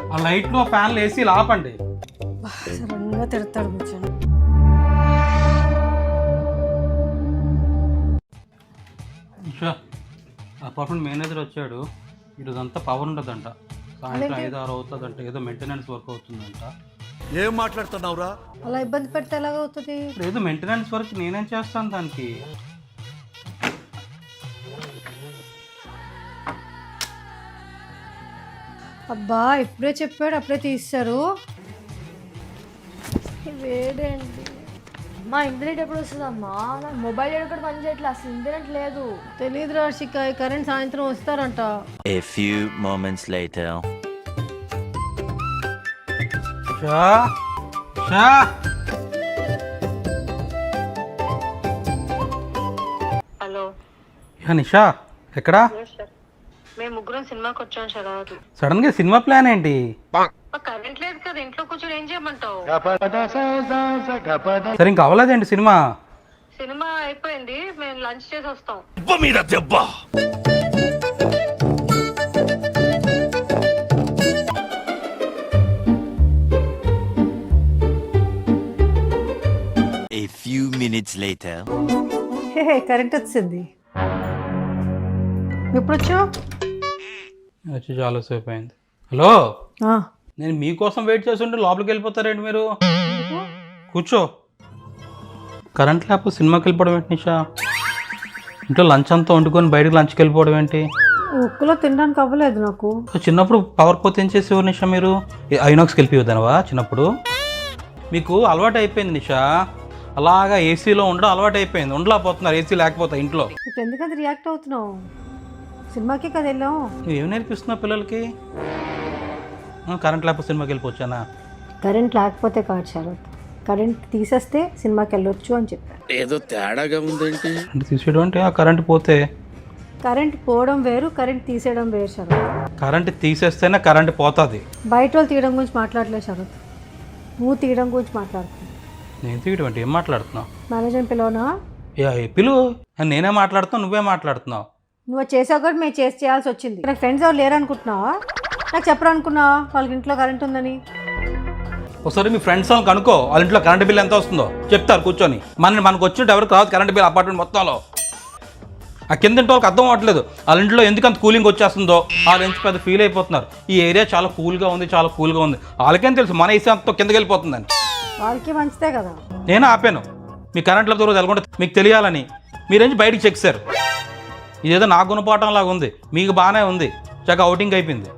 ఆ లైట్లు ఆ ఫ్యాన్లు ఏసీలు ఆపండి. సడన్గా తిడతాడు కూర్చొని. అపార్ట్మెంట్ మేనేజర్ వచ్చాడు. ఈరోజంతా పవర్ ఉండదంట, సాయంత్రం 5-6 అవుతుందంట, ఏదో మెయింటెనెన్స్ వర్క్ అవుతుందంట. ఏం మాట్లాడుతున్నావురా? అలా ఇబ్బంది పెడితే ఎలాగవుతుంది? ఏదో మెయింటెనెన్స్ వర్క్ నేనేం చేస్తాను దానికి. అబ్బా ఇప్పుడే చెప్పాడు అప్పుడే తీస్తారు. వేడేంటి మా ఇంటర్నెట్ ఎప్పుడు వస్తుందమ్మా? నా మొబైల్ ఎక్కడ పని చేయట్లేదు, అసలు ఇంటర్నెట్ లేదు. తెలియదు రాశిక, కరెంట్ సాయంత్రం వస్తారంట. A few moments later. Hello Nisha ఎక్కడా? మేము ముగ్గురం సినిమాకి వచ్చాం శరత్. సడన్ గా సినిమా ప్లాన్ ఏంటి? కరెంట్ లేదు కదా, ఇంట్లో కూర్చొని ఏం చేయమంటావు? సరే ఇంకా అవ్వలేదేంటి సినిమా? సినిమా అయిపోయింది, మేము లంచ్ చేసి వస్తాం. A few minutes later. Hey current వచ్చింది. ఎప్పుడు వచ్చావు? వచ్చి చాలా సేపు అయింది. హలో, నేను మీకోసం వెయిట్ చేస్తుంటే లోపలికి వెళ్ళిపోతారేంటి మీరు? కూర్చో. కరెంట్ లేకపోతే సినిమాకి వెళ్ళిపోవడం ఏంటి నిషా? ఇంట్లో లంచ్ అంతా వండుకొని బయటకు లంచ్కి వెళ్ళిపోవడం ఏంటి? ఉక్కులో తినడానికి అవ్వలేదు నాకు. చిన్నప్పుడు పవర్ పోతే ఏం చేసేవారు నిషా మీరు? ఐనాక్స్కి వెళ్ళిపోయేదానవా చిన్నప్పుడు? మీకు అలవాటు అయిపోయింది నిషా, అలాగా ఏసీలో ఉండడం అలవాటు అయిపోయింది. ఉండలేకపోతున్నారు ఏసీ లేకపోతే ఇంట్లో. ఇప్పుడు ఎందుకంత రియాక్ట్ అవుతున్నావు? సినిమాకి కదా వెళ్ళాం. నువ్వేం నేర్పిస్తున్నావు పిల్లలకి? కరెంట్ లేకపోతే సినిమాకి వెళ్ళిపోవచ్చానా? కరెంట్ లేకపోతే కాదు శరత్, కరెంట్ తీసేస్తే సినిమాకి వెళ్ళొచ్చు అని చెప్పారు. ఏదో తేడాగా ఉందేంటి? అంటే తీసేయడం అంటే ఆ కరెంట్ పోతే. కరెంట్ పోవడం వేరు, కరెంట్ తీసేయడం వేరు శరత్. కరెంట్ తీసేస్తేనే కరెంట్ పోతుంది. బయట వాళ్ళు తీయడం గురించి మాట్లాడలేదు శరత్, నువ్వు తీయడం గురించి మాట్లాడుతున్నావు. నేను తీయడం అంటే ఏం మాట్లాడుతున్నావు? మేనేజర్ని పిలవనా? పిలువు. నేనే మాట్లాడుతున్నావు, నువ్వే మాట్లాడుతున్నావు. నువ్వు చేసావు కూడా మేము చేయాల్సి వచ్చింది. నాకు ఫ్రెండ్స్ ఎవరు లేరు అనుకుంటున్నావా? నాకు చెప్పరు అనుకున్నావా వాళ్ళకి ఇంట్లో కరెంట్ ఉందని? ఒకసారి మీ ఫ్రెండ్స్ వాళ్ళకి అనుకో, వాళ్ళ ఇంట్లో కరెంట్ బిల్ ఎంత వస్తుందో చెప్తారు కూర్చొని. మనకు వచ్చినట్టు ఎవరికి రాదు కరెంట్ బిల్ అపార్ట్మెంట్ మొత్తంలో. ఆ కింద ఇంటి వాళ్ళకి అర్థం అవ్వట్లేదు వాళ్ళ ఇంట్లో ఎందుకు అంత కూలింగ్ వచ్చేస్తుందో. వాళ్ళు ఎంత పెద్ద ఫీల్ అయిపోతున్నారు. ఈ ఏరియా చాలా కూల్గా ఉంది, చాలా కూల్గా ఉంది. వాళ్ళకేం తెలుసు మన ఏసీ అంతా కిందకి వెళ్ళిపోతుందని. వాళ్ళకి మంచిదే కదా. నేను ఆపాను మీ కరెంట్లో దూరం తెలకుండా మీకు తెలియాలని. మీరేంచి బయటికి చెక్కారు. ఇదేదో నా గుణపాఠం లాగా ఉంది, మీకు బాగానే ఉంది. చక్కగా అవుటింగ్ అయిపోయింది.